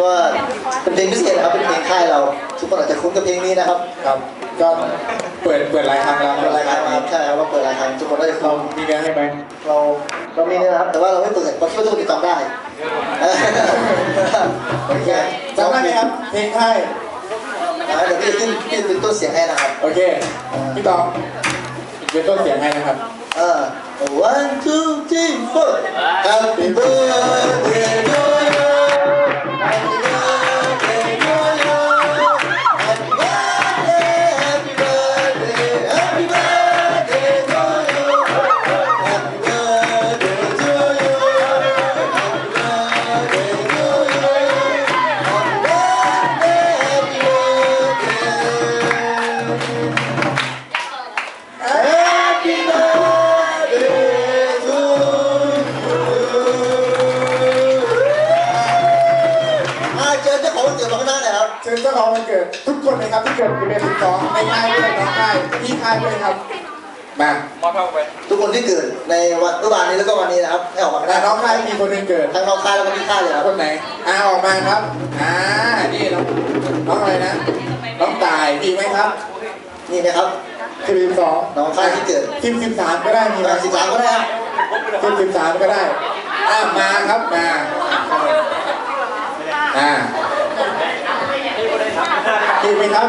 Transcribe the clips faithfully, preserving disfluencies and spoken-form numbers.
ก็เป็นเพลงพิเศษนะครับเป็นเพลงค่ายเราทุกคนอาจจะคุ้นกับเพลงนี้นะครับครับก็เปิดเปิดหลายครั้งแล้วเปิดรายการมาใช่ครับว่าเปิดรายการทุกคนได้คุ้เรานมีเนื้อให้ไหมเราเรามีนะครับแต่ว่าเราไม่เปิดเพราะคิดว่าทุกคนติดตามได้โอเคจำได้ไหมครับเพลงไทยเดี๋ยวพี่จะขึ้นพี่จะเป็นต้นเสียงให้นะครับโอเคพี่ตองเป็นต้นเสียงให้นะครับเออ one two three four Happy birthday to you Happy birthday to you Happy birthday Happy birthday Happy birthday to you Happy birthday to you Happy birthday to you Happy birthday Happy birthday Happy เชิญเจ้าของวันเกิดทุกคนเลยครับที่เกิดในเดือนสิบสองในค่ายด้วยน้องค่ายพี่ค่ายด้วยครับมามาเท่าไปทุกคนที่เกิดในวันเมื่อวานนี้แล้วก็วันนี้นะครับให้ออกมาได้น้องค่ายมีคนหนึ่งเกิดทั้งน้องค่ายแล้วก็พี่ค่ายเลยครับคนไหนอ่าออกมาครับอ่านี่น้องน้องอะไรนะน้องตายมีไหมครับนี่นะครับสิบสองน้องค่ายที่เกิดสิบสิบสามก็ได้มีไหมสิบสามก็ได้ครับสิบสิบสามก็ได้อ่ามาครับมาอ่าดีไหมครับ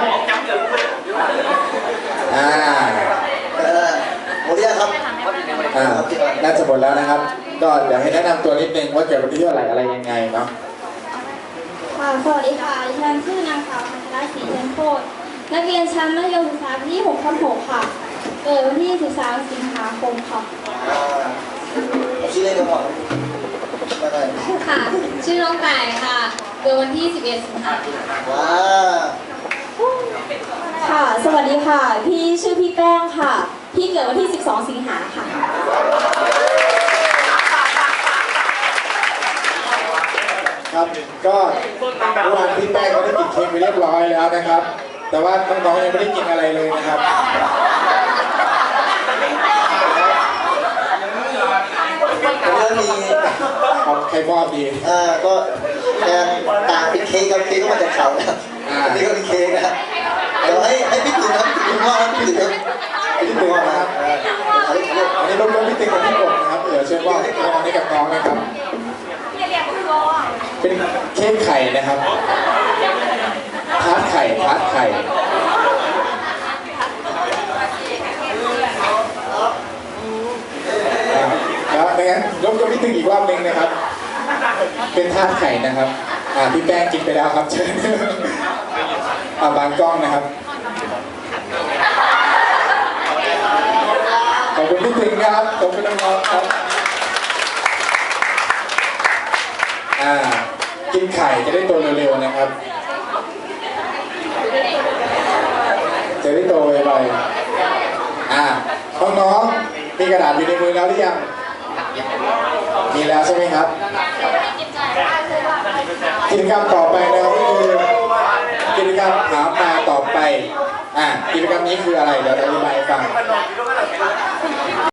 อ่าเออหมดแล้วครับอ่าน่าจะหมดแล้วนะครับก็เดี๋ยวให้แนะนำตัวนิดนึงว่าเกิดวันที่เท่าไหร่อะไรยังไงเนาะค่ะสวัสดีค่ะดิฉันชื่อนางสาวพัชรศรีเทียนโคตรนักเรียนชั้นมัธยมศึกษาปีที่หกทับหกค่ะเกิดวันที่สิบสามสิงหาคมค่ะชื่อเล่นก็พอค่ะชื่อน้องไก่ค่ะเกิดวันที่สิบเอ็ดสิงหาคมว้าค่ะสวัสดีค่ะพี่ชื่อพี่แป้งค่ะพี่เกิดวันที่สิบสองสิงหาค่ะครับก็เมื่อวานพี่แป้งก็ได้กินเค้กไปเรียบร้อยแล้วนะครับแต่ว่าน้องๆยังไม่ได้กินอะไรเลยนะครับก็มีเอาใครมอบดีอ่าก็แทนต่างเป็นเค้กกับเค้กก็มาจากเขานะอันนี้ก็เป็นเค้กนะเดี๋ยวให้ให้พี่ตื่นครับพี่พ่อครับพี่ตื่นครับพี่ตึงนะครับอันนี้รบกวนพี่ตึงกับพี่กบนะครับเดี๋ยวเชิญว่าให้น้องให้กับน้องนะครับเป็นเค้กไข่นะครับทาร์ตไข่ทาร์ตไข่แล้วไม่งั้นรบกวนพี่ตึงอีกรอบนึงนะครับเป็นทาร์ตไข่นะครับอ่าพี่แป้งกินไปแล้วครับเชิญอ่าบางกล้องนะครับขอบคุณพี่ตึงครับขอบคุณน้องๆครับอ่ากินไข่จะได้โตเร็วๆนะครับจะได้โตไวๆอ่าน้องๆมีกระดาษอยู่ในมือแล้วหรือยังมีแล้วใช่ไหมครับกิจกรรมต่อไปนะครับก็คือกิจกรรมถามมาต่อไปอ่ากิจกรรมนี้คืออะไรเดี๋ยวอธิบายให้ฟัง